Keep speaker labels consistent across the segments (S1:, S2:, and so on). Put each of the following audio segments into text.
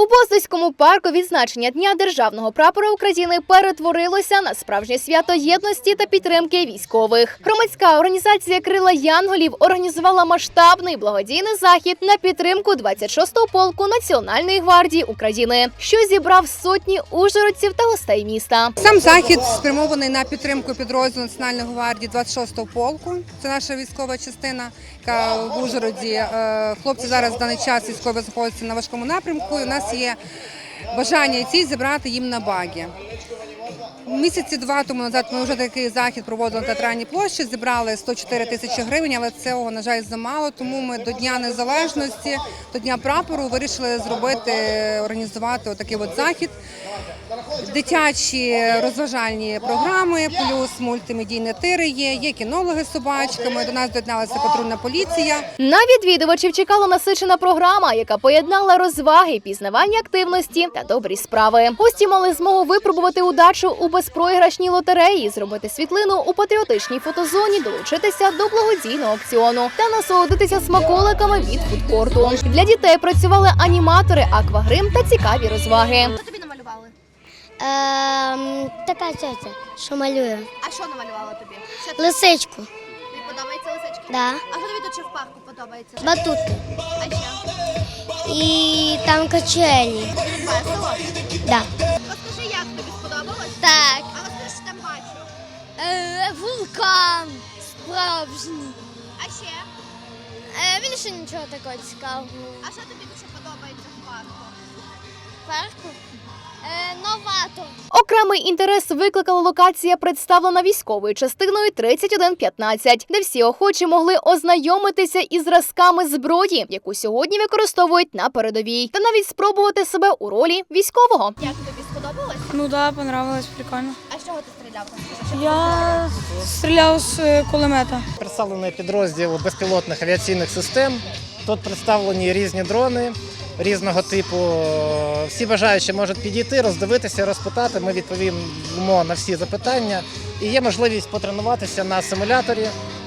S1: У Боздоському парку відзначення Дня Державного прапора України перетворилося на справжнє свято єдності та підтримки військових. Громадська організація «Крила Янголів» організувала масштабний благодійний захід на підтримку 26-го полку Національної гвардії України, що зібрав сотні ужгородців та гостей міста.
S2: Сам захід спрямований на підтримку підрозділу Національної гвардії 26-го полку. Це наша військова частина, яка в Ужгороді. Хлопці зараз в даний час військові знаходяться на важкому напрямку. І у нас є бажання і ціль зібрати їм на багі. Місяці два тому назад ми вже такий захід проводили на Театральній площі, зібрали 104 тисячі гривень, але цього, на жаль, замало, тому ми до Дня Незалежності, до Дня прапору вирішили організувати отакий захід. Дитячі розважальні програми, плюс мультимедійні тири є кінологи з собачками, до нас доєдналася патрульна поліція.
S1: На відвідувачів чекала насичена програма, яка поєднала розваги, пізнавання активності та добрі справи. Гості мали змогу випробувати удачу у безпроіграшній лотереї, зробити світлину у патріотичній фотозоні, долучитися до благодійного акціону та насолодитися смаколиками від фудкорту. Для дітей працювали аніматори, аквагрим та цікаві розваги.
S3: Що тобі намалювали?
S4: Така тетя, що малює.
S3: А що намалювала тобі?
S4: Лисичку.
S3: Тобі подобається лисички?
S4: Да.
S3: А що тобі тут ще в парку подобається?
S4: Батутки.
S3: А ще?
S4: І там качелі.
S3: Весело?
S4: Да.
S3: Розкажи, як тобі сподобалось?
S4: Так.
S3: А розкажи, що там бачу.
S4: Вулкан справжній.
S3: А ще?
S4: Більше нічого такого цікавого.
S3: А що тобі тут ще подобається в парку?
S4: Парку? Новатор.
S1: Окремий інтерес викликала локація, представлена військовою частиною 3115, де всі охочі могли ознайомитися із зразками зброї, яку сьогодні використовують на передовій, та навіть спробувати себе у ролі військового.
S3: Як тобі сподобалось?
S5: Ну да, понравилось, прикольно.
S3: А з чого ти стріляв? Розкажи, що
S5: Я стріляв з кулемета.
S6: Представлений підрозділ безпілотних авіаційних систем. Тут представлені різні дрони різного типу. Всі бажаючі можуть підійти, роздивитися, розпитати. Ми відповімо на всі запитання. І є можливість потренуватися на симуляторі,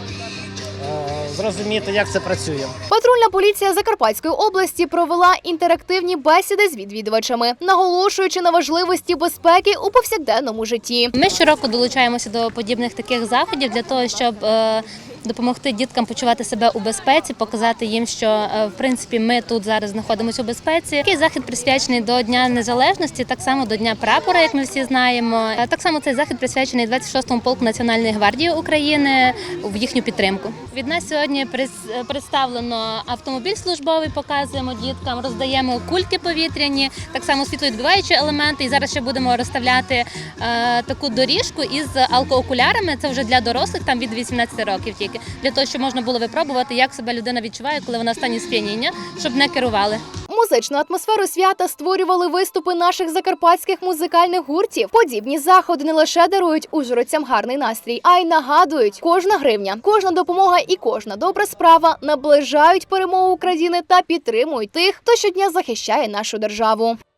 S6: зрозуміти, як це працює.
S1: Патрульна поліція Закарпатської області провела інтерактивні бесіди з відвідувачами, наголошуючи на важливості безпеки у повсякденному житті.
S7: Ми щороку долучаємося до подібних таких заходів для того, щоб допомогти діткам почувати себе у безпеці, показати їм, що в принципі ми тут зараз знаходимося у безпеці. Такий захід присвячений до Дня Незалежності, так само до Дня прапора, як ми всі знаємо. Так само цей захід присвячений 26-му полку Національної гвардії України в їхню підтримку. Від нас сьогодні представлено автомобіль службовий, показуємо діткам, роздаємо кульки повітряні, так само світловідбиваючі елементи. І зараз ще будемо розставляти таку доріжку із алкоокулярами. Це вже для дорослих, там від 18 років тільки. Для того, щоб можна було випробувати, як себе людина відчуває, коли вона в стані сп'яніння, щоб не керували.
S1: Музичну атмосферу свята створювали виступи наших закарпатських музикальних гуртів. Подібні заходи не лише дарують ужгородцям гарний настрій, а й нагадують, кожна гривня, кожна допомога і кожна добра справа наближають перемогу України та підтримують тих, хто щодня захищає нашу державу.